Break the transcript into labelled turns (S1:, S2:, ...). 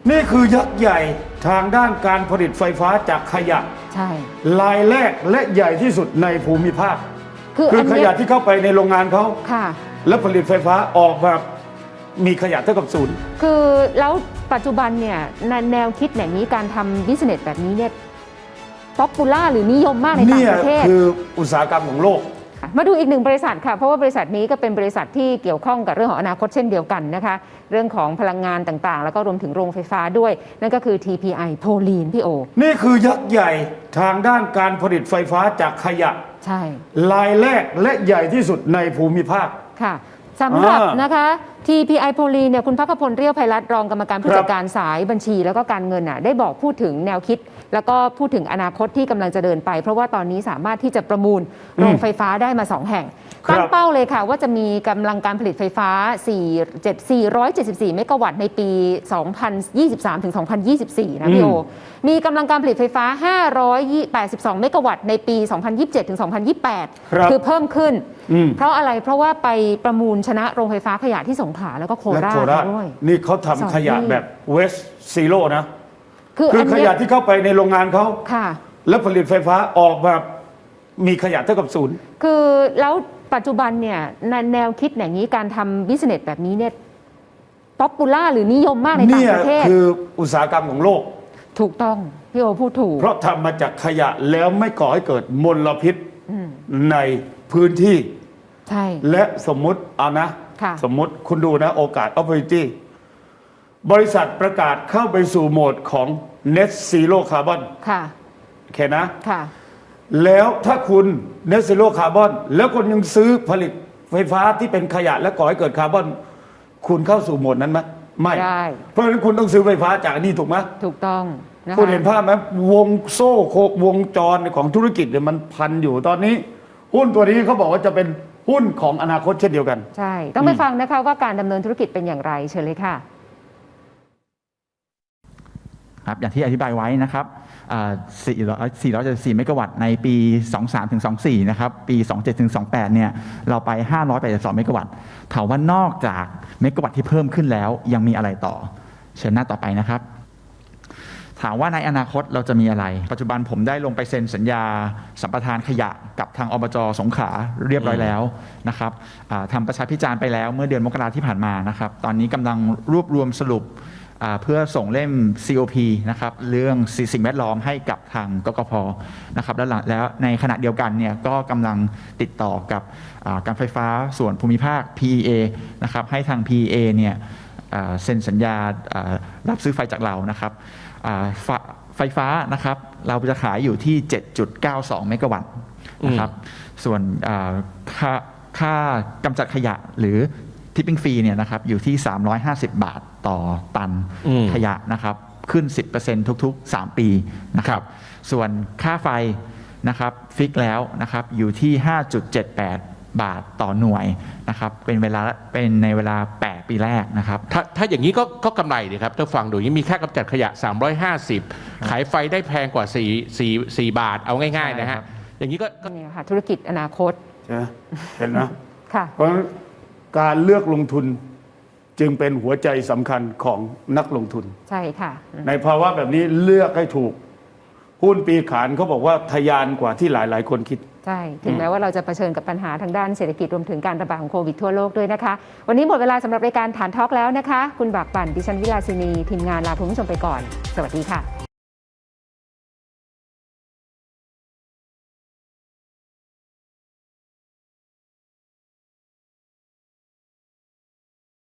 S1: นี่คือยักษ์ใหญ่ทางด้านการผลิตไฟฟ้าจากขยะ
S2: ใช่
S1: รายแรกและใหญ่ที่สุดในภูมิภาค
S2: คือ
S1: ขยะที่เข้าไปในโรงงานเขา
S2: ค่ะ
S1: แล้วผลิตไฟฟ้าออกมามีขยะเท่ากับศูนย์
S2: คือแล้วปัจจุบันเนี่ยแนวคิดแบบนี้การทำบิสเนสแบบนี้เนี่ยป๊อปปูล่าหรือนิยมมากในต่างประเทศ
S1: คืออุตสาหกรรมของโลก
S2: มาดูอีกหนึ่งบริษัทค่ะเพราะว่าบริษัทนี้ก็เป็นบริษัทที่เกี่ยวข้องกับเรื่องของอนาคตเช่นเดียวกันนะคะเรื่องของพลังงานต่างๆแล้วก็รวมถึงโรงไฟฟ้าด้วยนั่นก็คือ TPI โพลีนพี่โอ
S1: นี่คือยักษ์ใหญ่ทางด้านการผลิตไฟฟ้าจากขยะ
S2: ใช่
S1: รายแรกและใหญ่ที่สุดในภูมิภาค
S2: ค่ะสำหรับนะคะ TPI โพลีนเนี่ยคุณภัคพลเรียวไพรัตน์รองกรรมการผู้จัดการสายบัญชีแล้วก็การเงินได้บอกพูดถึงแนวคิดแล้วก็พูดถึงอนาคตที่กำลังจะเดินไปเพราะว่าตอนนี้สามารถที่จะประมูลโรงไฟฟ้าได้มา2แห่งตั้งเป้าเลยค่ะว่าจะมีกำลังการผลิตไฟฟ้า474 เมกะวัตต์ในปี 2023 ถึง 2024 นะพี่โอมีกำลังการผลิตไฟฟ้า 582 เมกะวัตต์ในปี 2027 ถึง 2028 คือเพิ่มขึ้นเพราะอะไรเพราะว่าไปประมูลชนะโรงไฟฟ้าขยะที่สงขลาแล้วก็โคราชด้วย
S1: นี่เขาทำขยะแบบเวสซีโร่นะคือขยะที่เข้าไปในโรงงานเขาแล้วผลิตไฟฟ้าออกมามีขยะเท่ากับศูนย์
S2: คือแล้วปัจจุบันเนี่ยแนวคิดอย่างนี้การทำบิสเนสแบบนี้เนี่ยป๊อปปูล่าหรือนิยมมากในต่างประเทศ
S1: คืออุตสาหกรรมของโลก
S2: ถูกต้องพี่โอพูดถูก
S1: เพราะทำมาจากขยะแล้วไม่ก่อให้เกิดมลพิษในพื้นที่
S2: ใช่
S1: และสมมุติเอานะสมมุติคุณดูนะโอกาส opportunity บริษัทประกาศเข้าไปสู่โหมดของ net zero carbon
S2: ค่ะ
S1: โอเคนะค่ะแล้วถ้าคุณ net zero carbon แล้วคุณยังซื้อผลิตไฟฟ้าที่เป็นขยะและก่อให้เกิดคาร์บอนคุณเข้าสู่โหมดนั้นไหมไม่เพราะฉะนั้นคุณต้องซื้อไฟฟ้าจากอันนี้ถูกไหม
S2: ถูกต้อง
S1: คุณเห็นภาพไหมวงโซ่วงจรของธุรกิจเนี่ยมันพันอยู่ตอนนี้หุ้นตัวนี้เขาบอกว่าจะเป็นหุ้นของอนาคตเช่นเดียวกัน
S2: ใช่ต้องไปฟังนะคะว่าการดำเนินธุรกิจเป็นอย่างไรเชิญเลยค่ะ
S3: อย่างที่อธิบายไว้นะครับ474 เมกะวัตต์ในปี 23 ถึง 24 นะครับ ปี 27 ถึง 28 เนี่ย เราไป 582 เมกะวัตต์ ถามว่านอกจากเมกะวัตต์ที่เพิ่มขึ้นแล้วยังมีอะไรต่อ เชิญหน้าต่อไปนะครับ ถามว่าในอนาคตเราจะมีอะไร ปัจจุบันผมได้ลงไปเซ็นสัญญาสัมปทานขยะกับทางอบจ.สงขลาเรียบร้อยแล้วนะครับทำประชาพิจารณ์ไปแล้วเมื่อเดือนมกราที่ผ่านมานะครับ ตอนนี้กำลังรวบรวมสรุปเพื่อส่งเล่ม COP นะครับเรื่องสิ่งแวดล้อมให้กับทางกกพ.นะครับแล้วในขณะเดียวกันเนี่ยก็กำลังติดต่อกับการไฟฟ้าส่วนภูมิภาค PEA นะครับให้ทาง PEA เนี่ยเซ็นสัญญารับซื้อไฟจากเรานะครับไฟฟ้านะครับเราจะขายอยู่ที่ 7.92 เมกะวัตต์นะครับส่วนค่ากำจัดขยะหรือทิปปิ้งฟรีเนี่ยนะครับอยู่ที่350 บาทต่อตันขยะนะครับขึ้น 10% ทุกๆ 3 ปีนะครับส่วนค่าไฟนะครับฟิกแล้วนะครับอยู่ที่ 5.78 บาทต่อหน่วยนะครับเป็นในเวลา8 ปีแรกนะครับ
S4: ถ้าอย่างนี้ก็กำไรดีครับถ้าฟังดูอย่างนี้มีค่ากำจัดขยะ350ขายไฟได้แพงกว่า4 บาทเอาง่ายๆนะฮะอย่างนี้ก็
S2: เนี่ยค่ะธุรกิจอนาคต
S1: เห็นนะ
S2: ค่ะ
S1: เพราะการเลือกลงทุนจึงเป็นหัวใจสำคัญของนักลงทุน
S2: ใช่ค่ะ
S1: ในภาวะแบบนี้เลือกให้ถูกหุ้นปีขานเขาบอกว่าทะยานกว่าที่หลายๆคนคิด
S2: ใช่ถึงแม้ว่าเราจะเผชิญกับปัญหาทางด้านเศรษฐกิจรวมถึงการระบาดของโควิดทั่วโลกด้วยนะคะวันนี้หมดเวลาสำหรับรายการฐานทอล์กแล้วนะคะคุณบากปั่นดิฉันวิลาสินีทีมงานลาคุณผู้ชมไปก่อนสวัสดีค่ะ